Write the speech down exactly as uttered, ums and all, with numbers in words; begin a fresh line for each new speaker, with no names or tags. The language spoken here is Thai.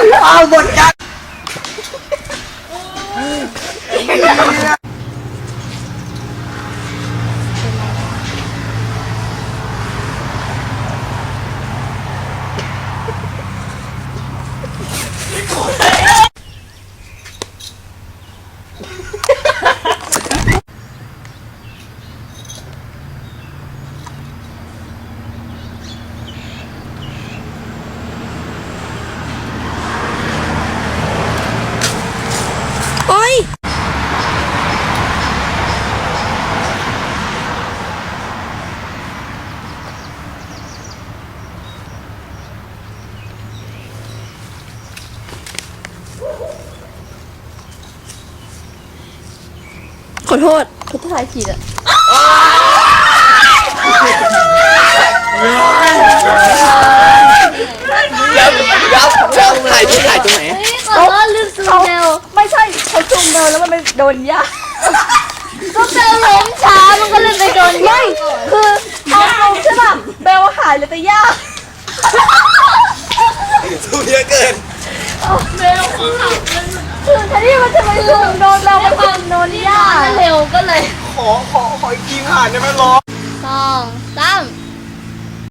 เอาหมดกัน
โอ๊ยขอโทษขอโทษทายผิดอ่ะ
ยับยับยับถ่ายที่ถ่ายตรงไหน
เขาลืมซูมเบล
ไม่ใช่เขาจุ่มเดินแล้วมันไปโดนยา
ก็เบลล้มช้ามันก็เลยไปโดน
ไม่คือเอาลงใช่ป่ะเบลหายเลยแต่ยา
สูงเยอะเกิน
เบลขับมัน
คือแทนที่มันจะไปจุ่มโดนเราไปจุ่มโดนยา
เร็วก็เลย
ขอขอขออีกทีผ่านได้ไหมล้อ
สองสาม